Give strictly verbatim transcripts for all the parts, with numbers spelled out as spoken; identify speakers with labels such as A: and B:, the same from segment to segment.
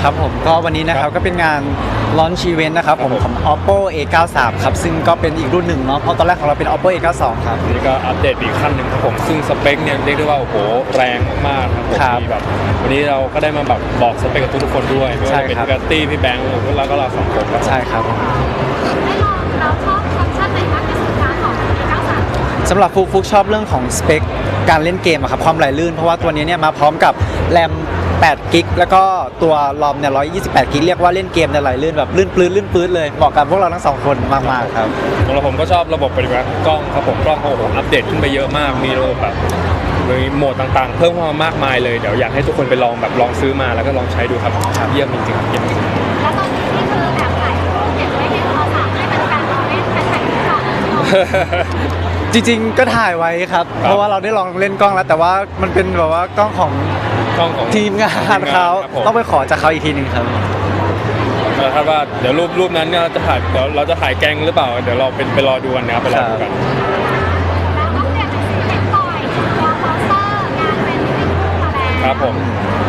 A: ครับผมก็วันนี้นะครับก็เป็นงาน launch event นะครับผมของ Oppo เอ เก้าสิบสาม ครับซึ่งก็เป็นอีกรุ่นหนึ่งเนาะเพราะตอนแรกของเราเป็น Oppo เอ เก้าสิบสอง ครับ
B: นี่ก็อัปเดตอีกขั้นหนึ่งครับผมซึ่งสเปคเนี่ยเรียกได้ว่าโอ้โหแรงมากๆครับผมมีแบบวันนี้เราก็ได้มาแบบบอกสเปคกับทุกๆคนด้วยไม่ว่าจะเป็นกัตตี้พี่แบงค์แล้วก็เราสองคนครับ
A: ใช่ครับ
C: ได้ลองเราชอบฟังก์ชันไหนมากที่สุดคะของ เอ เก้าสิบสาม
A: สำหรับฟุกฟุกชอบเรื่องของสเปคการเล่นเกมอะครับความไหลลื่นเพราะว่าตัวนี้เนี่ยมาพร้อมกับแรมแปดกิกแล้วก็ตัวรอมเนี่ยหนึ่งร้อยยี่สิบแปดกิกเรียกว่าเล่นเกมเนี่ยไหลลื่นแบบลื่นปลื้นลื่นปลื้นเลยเหมาะกับพวกเราทั้งสองคนมากๆครับ
B: สำหรับผมก็ชอบระบบปฏิบัติกล้องครับผมกล้องโอ้โหอัปเดตขึ้นไปเยอะมากมีระบบแบบมีโหมดต่างๆเพิ่มเข้ามามากมายเลยเดี๋ยวอยากให้ทุกคนไปลองแบบลองซื้อมาแล้วก็ลองใช้ดูครับเยี่ยมจริงๆครับเยี่ยมจริงๆ
C: แล้วตอนนี้นี่คือแอบถ่ายรูปเก็บไว้ในโทรศัพท์ให้เป็นการรอเล่นแฮชแท็กที่ก่อน
A: จริงๆก็ถ่ายไว้ครับเพราะว่าเราได้ลองเล่นกล้องแล้วแต่ว่ามันเป็นแบบว่ากล้องของ
B: กล้องของ
A: ทีมงานเขาต้องไปขอจากเขาอีกทีหนึ่งครับ
B: แล้วถ้าว่าเดี๋ยวรูปรูปนั้นเนี่ยเราจะถ่ายเดี๋ยวเราจะถ่ายแกงหรือเปล่าเดี๋ยวเราเป็นไปรอดูกันนะครับไปรอดูกัน
C: แล้วก็เปลี่ยนเป็นสีเห็นบ่อยตัวโปสเตอร์งานเป็นที่คู่มาแล้ว
B: ครับผม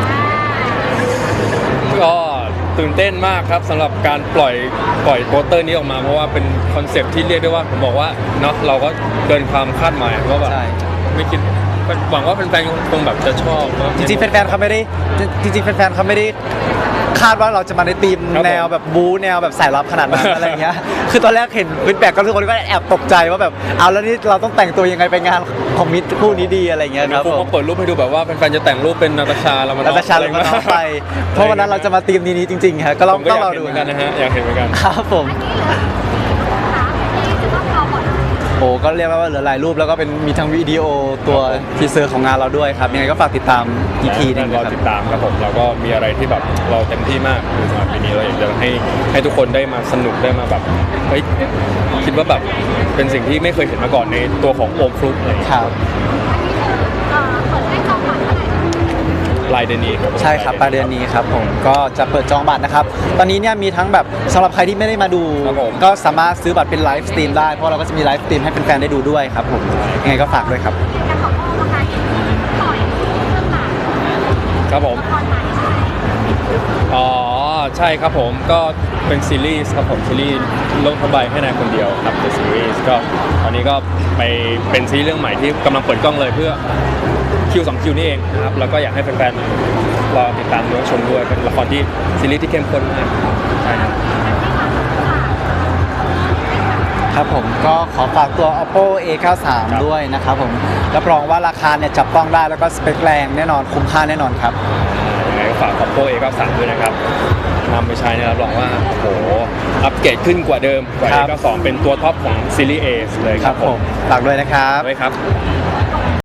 B: ก็ตื่นเต้นมากครับสำหรับการปล่อยปล่อยโปสเตอร์นี้ออกมาเพราะว่าเป็นคอนเซปต์ที่เรียกได้ว่าผมบอกว่าเนาะเราก็เกินความคาดหมายว่าแบบไม่คิดหวังว่าแฟนๆคงแบบจะชอบ
A: จริงๆแฟนๆเขาไม่ได้จริงๆแฟนๆเขาไม่ได้คาดว่าเราจะมาในธีมแนวแบบบู๊แนวแบบสายลับขนาดนั้นอะไรเงี้ยคือตอนแรกเห็นฟีดแบ็กก็ทุกคนก็แอบตกใจว่าแบบเอาแล้วนี่เราต้องแต่งตัวยังไงไปงานของมิตรคู่นี้ดีอะไรเงี้ยครับ
B: ผมเปิดรูปให้ดูแบบว่าแฟนๆจะแต่งรูปเป็นนาตาชาเรามา
A: นาตาชาเรามาน้องไปเพราะวันนั้นเราจะมาธีมนี้จริงๆครับก็ลองต้องรอดู
B: กันนะฮะอยากเห็นเหมือนกัน
A: ครับผมโอ้ก็เรียกว่าเหลือหลายรูปแล้วก็เป็นมีทั้งวิดีโอตัวทีเซอร์ของงานเราด้วยครับยังไงก็ฝากติดตามอีกทีนึง
B: รอติดตามครับผมเราก็มีอะไรที่แบบเราเต็มที่มากคือสำหรับปีนี้เราอยากจะให้ให้ทุกคนได้มาสนุกได้มาแบบเฮ้ยคิดว่าแบบเป็นสิ่งที่ไม่เคยเห็นมาก่อนในตัวของโอมฟลุ๊กอะไร
A: ครับ
B: ปลายเดือนนี้ครับ
A: ใช่ครับปลายเดือนนี้ครับผมก็จะเปิดจองบัตรนะครับตอนนี้เนี่ยมีทั้งแบบสำหรับใครที่ไม่ได้มาดูก็สามารถซื้อบัตรเป็นไลฟ์สตรีมได้เพราะเราก็จะมีไลฟ์สตรีมให้แฟนๆได้ดูด้วยครับผมยังไงก็ฝากด้วยครับ
B: ครับผมอ๋อใช่ครับผมก็เป็นซีรีส์ครับผมซีรีส์โลกทั้งใบให้นายคนเดียวครับเป็นซีรีส์ก็ตอนนี้ก็ไปเป็นซีรีส์เรื่องใหม่ที่กำลังเปิดกล้องเลยเพื่อคิวสองคิวนี่เองนะครับแล้วก็อยากให้แฟนๆรอติดตามดูชมด้วยเป็นละครที่ซีรีส์ที่เข้มข้นมากใช่ครับ
A: ครับผมก็ขอฝากตัว Oppo เอ เก้าสิบสาม ด้วยนะครับผมรับรองว่าราคาเนี่ยจับต้องได้แล้วก็สเปคแรงแน่นอนคุ้มค่าแน่นอนครับ
B: ยังไงก็ฝาก Oppo เอ เก้าสิบสาม ด้วยนะครับนำไปใช้เนี่ยรับรองว่าโอ้โหอัปเกรดขึ้นกว่าเดิมกว่า เอ เก้าสิบสอง เป็นตัวท็อปของซีรีส์ A เลยครับผม
A: ฝากด้วยนะครับ
B: ด้วยครับ